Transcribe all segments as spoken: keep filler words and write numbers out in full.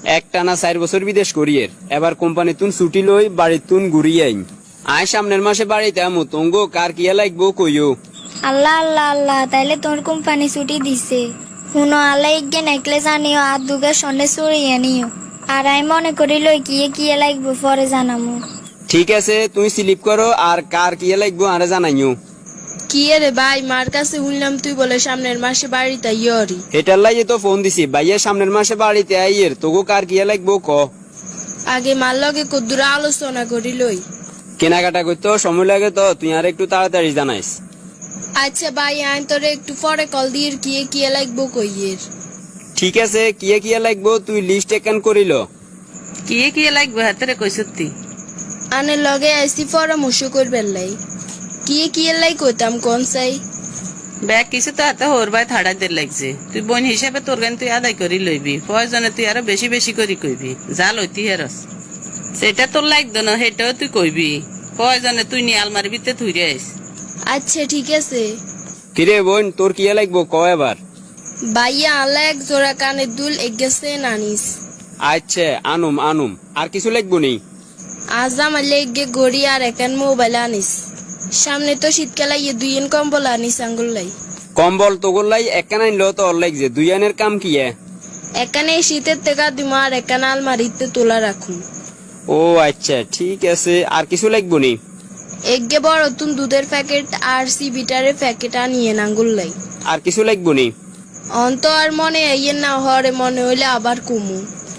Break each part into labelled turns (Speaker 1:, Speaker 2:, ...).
Speaker 1: একটানা চার বছর বিদেশ করিয়ের এবার কোম্পানি তুন ছুটি লই বাড়ির তুন ঘুরিয়ে আইন আয় সামনের মাসে বাড়িতে আমু তঙ্গ কার কিয়া লাগবো কইও।
Speaker 2: আল্লাহ আল্লাহ আল্লাহ তাইলে তোর কোম্পানি ছুটি দিছে। শুনো আল্লাহ ইগে নেকলেস আনিও আর দুগে সন্ধ্যে চড়িয়ে নিও। আর আমি মনে করি লই কিয়ে কিয়ে লাগবো পরে জানামু।
Speaker 1: ঠিক আছে তুই স্লিপ করো আর কার কিয়া লাগবো আরে জানাইও।
Speaker 3: কি রে ভাই, মার কাছে শুনলাম তুই বলে সামনের মাসে বাড়িতে ইয়রি।
Speaker 1: এটার লাগে তো ফোন দিছি ভাইয়া সামনের মাসে বাড়িতে আইয়ের তোগো কার কিয়া লাগবো ক।
Speaker 3: আগে মার লগে কদ্দুর আলোচনা করি লই।
Speaker 1: কেনাকাটা করতেও সময় লাগে তো তুই আর একটু তাড়াতাড়ি জানাইস।
Speaker 3: আচ্ছা ভাই, আইন তোরে একটু পরে কল দিয়ে কিয়ে কিয়ে লাগবো কইয়ের।
Speaker 1: ঠিক আছে কিয়া কিয়া লাগবো তুই লিস্ট একান করিল।
Speaker 4: কিয়ে কিয়ে লাগবে হাতেরে কই সত্যি
Speaker 3: আনে লগে আইসি পরামর্শ করবেন লাই। কিয়ে কিয়ে লাই কইতাম কোন চাই।
Speaker 4: ব্যাগ কিছু তো হাতে হোর ভাই থাড়া দের লাগছে। তুই বোন হিসাবে তোর গান তুই আদায় করি লইবি, প্রয়োজনে তুই আরো বেশি বেশি করি কইবি। যা লইতি হেরস সেটা তোর লাগতো না, সেটাও তুই কইবি। প্রয়োজনে তুই নিয়ে আলমারি ভিতরে থুইরে আইস।
Speaker 3: আচ্ছা ঠিক আছে।
Speaker 1: কিরে বোন তোর কিয়া লাগবো ক এবার।
Speaker 3: ভাইয়া আল্লাহ এক জোড়া কানের দুল এগেছে নানিস।
Speaker 1: আচ্ছা আনুম আনুম আর কিছু লাগবো নেই।
Speaker 3: আজ আমার লেগে গড়ি আর একান মোবাইল আনিস। সামনে তো শীতকাল আইয়ে দুইন কম্বল আনিস আঙ্গুল লাই।
Speaker 1: কম্বল তোগোর লাই একখান আনলো তো ওর লাগছে দুই আনের কাম কি?
Speaker 3: এখানে শীতের থেকে দিমা আর একান আলমারিতে তোলা রাখুন।
Speaker 1: ও আচ্ছা ঠিক আছে আর কিছু লাগবো নি।
Speaker 3: এগে বড় তুন দুধের প্যাকেট আর সি বিটারের প্যাকেট আনিয়ে আঙ্গুল লাই।
Speaker 1: আর কিছু লাগবো নি।
Speaker 3: অন্ত আর মনে আইয়ের না হরে মনে হইলে আবার কুমু।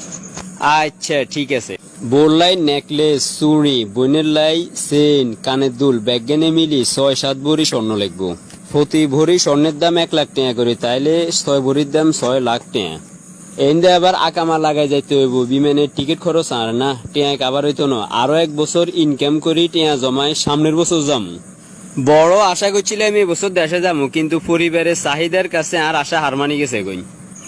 Speaker 1: আচ্ছা ঠিক আছে। বোর লাই নেকলেস চুড়ি বোনের লাই চেন কানের দুল ব্যাগেনে মিলি ছয় সাত ভরি স্বর্ণ লাগবো। প্রতি ভরি স্বর্ণের দাম এক লাখ টাকা করে, তাইলে ছয় ভরির দাম ছয় লাখ টাকা। এনদে আবার আকামা লাগাই যাইতে হইব, বিমানের টিকিট খরচ আর না টিয়া আবার হইতো না। আরো এক বছর ইনকাম করি টিয়া জমায় সামনের বছর যাম। বড় আশা করছিলাম এই বছর দেশে যাবো, কিন্তু পরিবারের চাহিদার কাছে আর আশা হার মানি গেছে গই।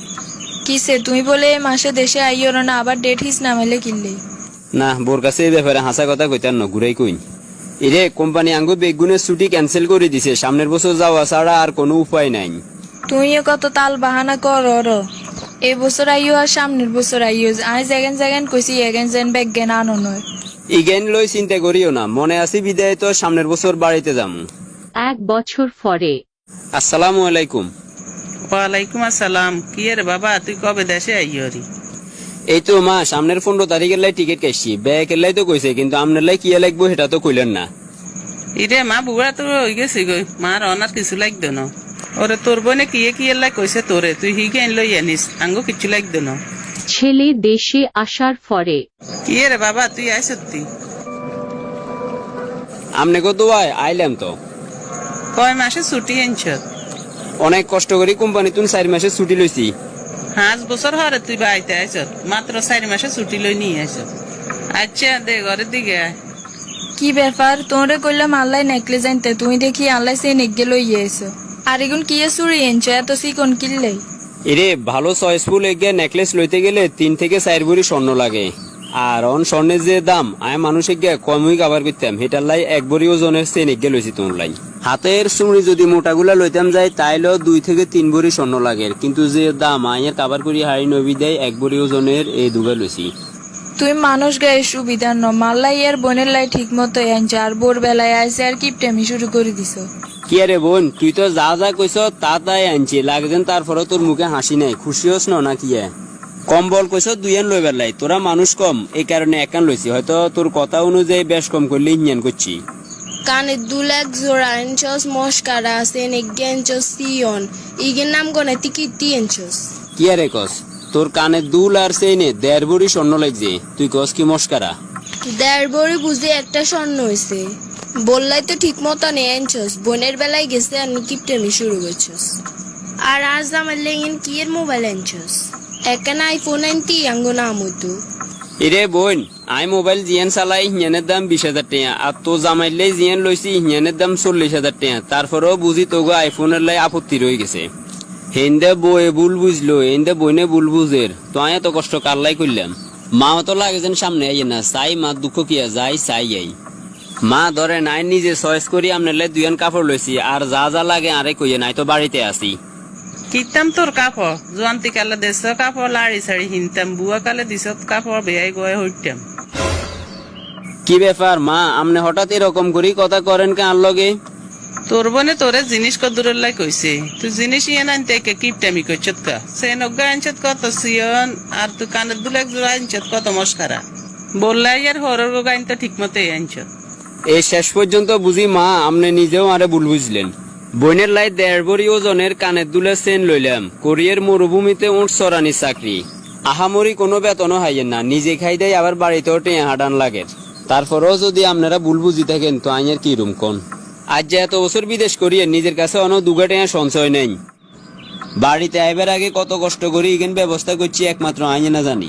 Speaker 5: কিসে তুমি বলে মাসে দেশে আইও না, আবার ডেট হিস নামাইলে কিনলে
Speaker 1: না বোর কাছে এই ব্যাপারে হাসা কথা কইতার ন ঘুরাই কই। এরে কোম্পানি আঙ্গু বেগুনের ছুটি ক্যান্সেল করে দিছে, সামনের বছর যাওয়া ছাড়া আর কোনো উপায় নাই।
Speaker 5: তুইও কত তাল বাহানা কর র। এই বছর আইও আর সামনের বছর আইও। আজ এগেন জাগেন কইছি এগেন যেন ব্যাগ জ্ঞান আনো নয়।
Speaker 1: ইগেন লই চিন্তা করিও না, মনে আছি বিদায় তো সামনের বছর বাড়িতে যাম।
Speaker 6: এক বছর পরে।
Speaker 1: আসসালামু আলাইকুম।
Speaker 4: ওয়ালাইকুম আসসালাম। কি রে বাবা, তুই কবে দেশে আইয়রি?
Speaker 1: এই তো মা সামনের পনেরো তারিখের লাই টিকিট কাটছি, ব্যাগের লাই তো কইছে, কিন্তু আপনার লাই কিয়া লাগবো সেটা তো কইলেন না।
Speaker 4: ইরে মা বুড়া তো হয়ে গেছি গই, মার অনার কিছু লাগতো না। ওরে তোর বোনে কিয়ে কিয়ে লাই কইছে তোরে, তুই হিগে আইন লই আনিস, আঙ্গো কিছু লাগতো না।
Speaker 6: ছেলে দেশে আসার পরে।
Speaker 4: কি রে বাবা তুই আয় সত্যি?
Speaker 1: আমনে কত আয় আইলাম তো।
Speaker 4: কয় মাসে ছুটি আনছ?
Speaker 1: অনেক কষ্ট করি কোম্পানি তুন চার মাসে ছুটি লইছি।
Speaker 4: পাঁচ বছর হরে তুই বাড়িতে আইস, মাত্র চারি মাসে ছুটি লই নিয়ে আইস। আচ্ছা দে ঘরের দিকে আয়।
Speaker 5: কি ব্যাপার, তোরে কইলাম আল্লাহ নেকলেস আনতে, তুমি দেখি আল্লাহ সেই নেকগে লইয়ে এসো। আর এগুন কি চুরি এনছো এত সিকন কিনলে?
Speaker 1: এরে ভালো চয়েসফুল এগে নেকলেস লইতে গেলে তিন থেকে চার ভরি স্বর্ণ লাগে, আর অন স্বর্ণের যে দাম আয় মানুষে গিয়ে কমই কাবার করতাম, হেটার লাই এক ভরি ওজনের চেন এগে লইছি তোর লাই। হাতের চুড়ি যদি মোটাগুলা লইতাম যাই তাইলেও দুই থেকে তিন ভরি স্বর্ণ লাগে, কিন্তু যে দাম আয়ের কাবার করি হাড়ি নবী দেয় এক ভরি ওজনের এই দুগা লইছি।
Speaker 5: তুই মানুষ গায়ে সুবিধা ন, মাল্লাই আর বোনের লাই ঠিক মতো আনছো, আর বোর বেলায় আইসে আর কিপটামি শুরু করে দিছ।
Speaker 1: কি আরে বোন তুই তো যা যা কইস তা তাই আনছি, লাগছেন তারপরে তোর মুখে হাসি নাই, খুশি হস না কি? কম্বল কইস দুই আন লইবার লাই, তোরা মানুষ কম এই কারণে একান লইছি, হয়তো তোর কথা অনুযায়ী বেশ কম করলে ইঞ্জান করছি।
Speaker 3: কানের দুল এক জোড়া আনছস, মস্কারা আছে নেগে আনছস সিয়ন, ইগের নাম গনে টিকিটি আনছস।
Speaker 1: কি আরে কস তোর কানে দুল আর সেইনে দেড় ভরি স্বর্ণ লাগছে, তুই কস কি মস্কারা?
Speaker 3: দেড় বড়ি বুঝে একটা স্বর্ণ হয়েছে, বললাই তো ঠিক মতো নেই আনছস। বোনের বেলায় গেছে আর কিপটামি শুরু করছস। আর আজ আমার লেগেন কি এর মোবাইল আনছস? একটা আইফোন আনতি আঙ্গো নাম হইতো।
Speaker 1: এরে বোন আই মোবাইল জিয়ান চালাই হিয়ানের দাম বিশ হাজার টাকা, আর তো জামাইলে জিয়ান লইছি হিয়ানের দাম চল্লিশ হাজার টাকা, তারপরেও বুঝি তোগো আইফোনের লাই আপত্তি রয়ে গেছে। হেন্দে বয়ে ভুল বুঝলো, হেন্দে বইনে ভুল বুঝের, তো আয় এত কষ্ট কারলাই করলাম। মা তো লাগে যেন সামনে আইয়ে না, চাই মা দুঃখ কিয়া যাই চাই আই। মা ধরে নাই নিজে চয়েস করি আপনার লাই দুইয়ান কাপড় লইছি, আর যা যা লাগে আরে কইয়ে নাই তো বাড়িতে আসি।
Speaker 4: কিতাম তোর কাপড় জোয়ান্তি কালে দেশ কাপড় লাড়ি সাড়ি হিনতাম বুয়া কালে দিস কাপড় বেয়াই গয়ে হইতাম।
Speaker 1: কি ব্যাপার মা, আমনে হঠাৎ এরকম করি কথা করেন কে আর লগে?
Speaker 4: তোর বনে তোরে জিনিস কদুরের লাই কইছে, তুই জিনিস ইয়ে আনতে কিপটামি করছত কা, সে নগ্গা আনছত কত সিয়ন আর তুই কানের দুলে এক জোড়া আনছত কত মস্কারা। বললাই আর হরর গো গাইন তো ঠিক মতো আনছত।
Speaker 1: এই শেষ পর্যন্ত বুঝি মা আমনে নিজেও আরে ভুল বুঝলেন। বইনের লাই দেড় বড়ি ওজনের কানের দুলে চেন লইলাম, কোরিয়ার মরুভূমিতে উঠ চড়ানি চাকরি। আহামরি কোনো বেতনও হাইয়েন না, নিজে খাই দেয় আবার বাড়িতেও টেঁ হাডান লাগে। তারপরেও যদি আপনারা ভুল বুঝি থাকেন তো আইনের কি রুম কোন? আজ যে এত বছর বিদেশ করিয়ে নিজের কাছে অন দুগা টেঁ সঞ্চয় নেই। বাড়িতে আইবার আগে কত কষ্ট করি এখানে ব্যবস্থা করছি একমাত্র আইনে না জানি।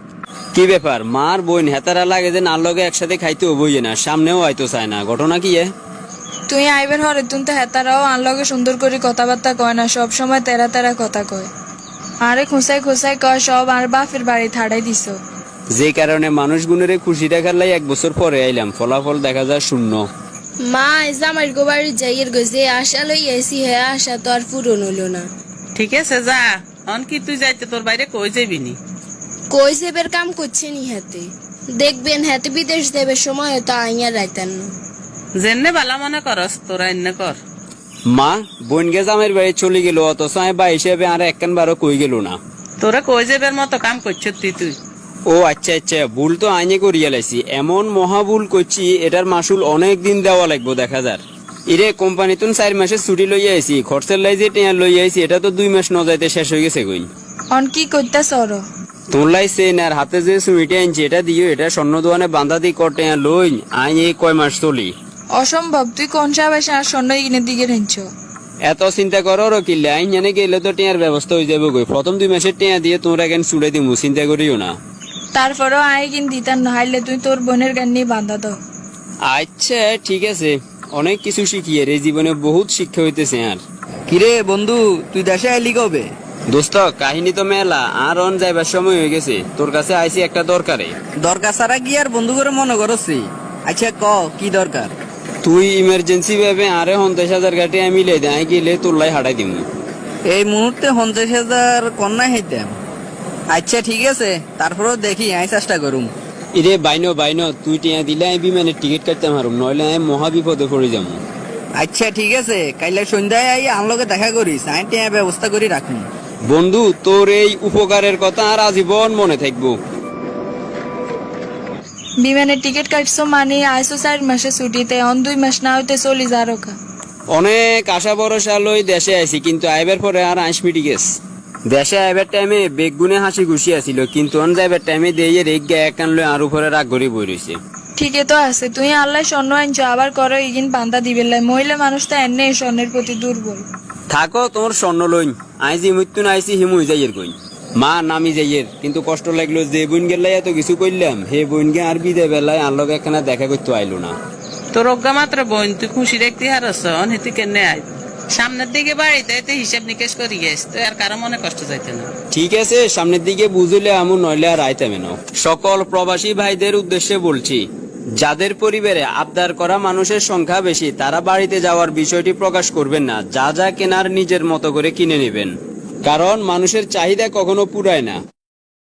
Speaker 1: কি ব্যাপার মার বোন হেতারা লাগে যে নার লগে একসাথে খাইতে বইয়ে না, সামনেও হয়তো চায় না, ঘটনা কি এ?
Speaker 5: তুই আইবের হরে তুই তো হেতারাও আনলগে সুন্দর করে কথাবার্তা কয় না, সব সময় তেরা তেরা কথা কয়। আরে খুঁসাই খুঁসাই কয় সব আর বাপের বাড়ি থাড়াই দিছ।
Speaker 1: যে কারণে মানুষ গুণের খুশি দেখার লাই এক বছর পরে আইলাম, ফলাফল দেখা যায় শূন্য।
Speaker 3: মা জামাই গো বাড়ি যাইয়ের গো যে আশা লই আইছি হে আশা তো আর পূরণ হলো না।
Speaker 4: ঠিক আছে যা, অন কি তুই যাইতে তোর বাইরে কই যাবি নি?
Speaker 3: কই সেবের কাম করছে নি হাতে, দেখবেন হাতে বিদেশ দেবে সময় হয়তো আইয়া রাইতেন না।
Speaker 4: যেনে বালা মনে করস তোরা এনে কর।
Speaker 1: মা বোন গে জামের বাড়ি চলে গেল, অথচ আমি বা হিসেবে আর একখান বারো কই গেল না।
Speaker 4: তোরা কই যাবের মতো কাম করছ তুই তুই
Speaker 1: ও আচ্ছা আচ্ছা, ভুল তো আইনে করিয়া লাইছি, এমন মহা ভুল করছি এটার মাসুল অনেক দিন দেওয়া লাগবো দেখা যার। ইরে কোম্পানি তুন চার মাসের ছুটি লইয়া আইছি, খরচের লাই যে টেয়া লইয়া আইছি এটা তো দুই মাস ন যাইতে শেষ হয়ে গেছে কইন।
Speaker 5: অন কি করতেছ ওর?
Speaker 1: তোর লাই চেন আর হাতে যে সুইটে আনছি এটা দিও, এটা স্বর্ণ দোকানে বান্ধা দি কটে লই আই এই কয় মাস চলি।
Speaker 5: অসম্ভব, তুই কোন সাবাসে আর স্বর্ণ ইগিনের দিকে রেঞ্চ?
Speaker 1: এত চিন্তা করো কিলে আইন জানে গেলে তো টেয়ার ব্যবস্থা হয়ে যাবে গই, প্রথম দুই মাসের টেয়া দিয়ে তোমরা এখন চুড়ে দিমু, চিন্তা করিও না।
Speaker 5: তারপরও আয় কিন দিতাম না, হাইলে তুই তোর বোনের গান নিয়ে বান্ধা দাও।
Speaker 1: আচ্ছা ঠিক আছে, অনেক কিছু শিখিয়ে রে, জীবনে বহুত শিক্ষা হইতেছে। আর
Speaker 7: কিরে বন্ধু, তুই দেশে আইলি কবে?
Speaker 1: দোস্ত কাহিনী তো মেলা, আর অন যাইবার সময় হয়ে গেছে, তোর কাছে আইছি একটা দরকারে।
Speaker 7: দরকার ছাড়া কি আর বন্ধু করে মনে করছি? আচ্ছা ক কি দরকার?
Speaker 1: তুই ইমার্জেন্সি ভাবে আরে পঞ্চাশ হাজার গাটি আমি মিলে দেয় গেলে তোর লাই হাঁটাই দিমু।
Speaker 7: এই মুহূর্তে পঞ্চাশ হাজার কন্যা হইতাম। আচ্ছা ঠিক আছে, তারপরেও দেখি আমি চেষ্টা করুম।
Speaker 1: ইরে বাইনো বাইনো, তুই টিয়া দিলে আমি বিমানের টিকিট কাটতে পারুম, নইলে আমি মহা বিপদে পড়ে যাবো।
Speaker 7: আচ্ছা ঠিক আছে, কাইলে সন্ধ্যায় আই আমলকে দেখা করিস, আমি টিয়া ব্যবস্থা করে রাখুন।
Speaker 1: বন্ধু তোর এই উপকারের কথা আর আজীবন মনে থাকবো।
Speaker 5: বিমানের টিকিট কাটছো মানে আইসো চার মাসে ছুটিতে, অন দুই মাস না হইতে চলি যা রোকা।
Speaker 1: অনেক আশা ভরসা লই দেশে আইছি, কিন্তু আইবার পরে আর আইস মিটি গেছে। দেশে আইবার টাইমে বেগুনে হাসি খুশি আছিল, কিন্তু অন যাইবার টাইমে দিয়ে রেগ গে একান লই আর উপরে রাগ গড়ি বই রয়েছে।
Speaker 5: ঠিকই তো আছে, তুই আল্লাহ স্বর্ণ আনছো আবার করো ইগিন বান্ধা দিবে লাই, মহিলা মানুষ তো এনে স্বর্ণের প্রতি দুর্বল।
Speaker 1: থাকো তোমার স্বর্ণ লইন, আই যে মৃত্যু না আইসি হিমুই যাইয়ের কইন। মা নামি যাইয়ের, কিন্তু কষ্ট লাগলো যে বোন গেলাই এত কিছু করলাম, হে বোন গে আর বিদে বেলায় আর লগে একখানা দেখা করতে আইলো না।
Speaker 4: তোর অজ্ঞা মাত্র বোন তুই খুশি দেখতে হারস, অন হেতু কেনে আই সামনের দিকে বাড়িতে এতে হিসাব নিকেশ করি গেছ, তুই আর কারো মনে কষ্ট যাইতে না।
Speaker 1: ঠিক আছে, সামনের দিকে বুঝলে আমু, নইলে আর আইতামে না। সকল প্রবাসী ভাইদের উদ্দেশ্যে বলছি, যাদের পরিবারে আবদার করা মানুষের সংখ্যা বেশি তারা বাড়িতে যাওয়ার বিষয়টি প্রকাশ করবেন না, যা যা কেনার নিজের মতো করে কিনে নেবেন, কারণ মানুষের চাহিদা কখনো পুরায় না।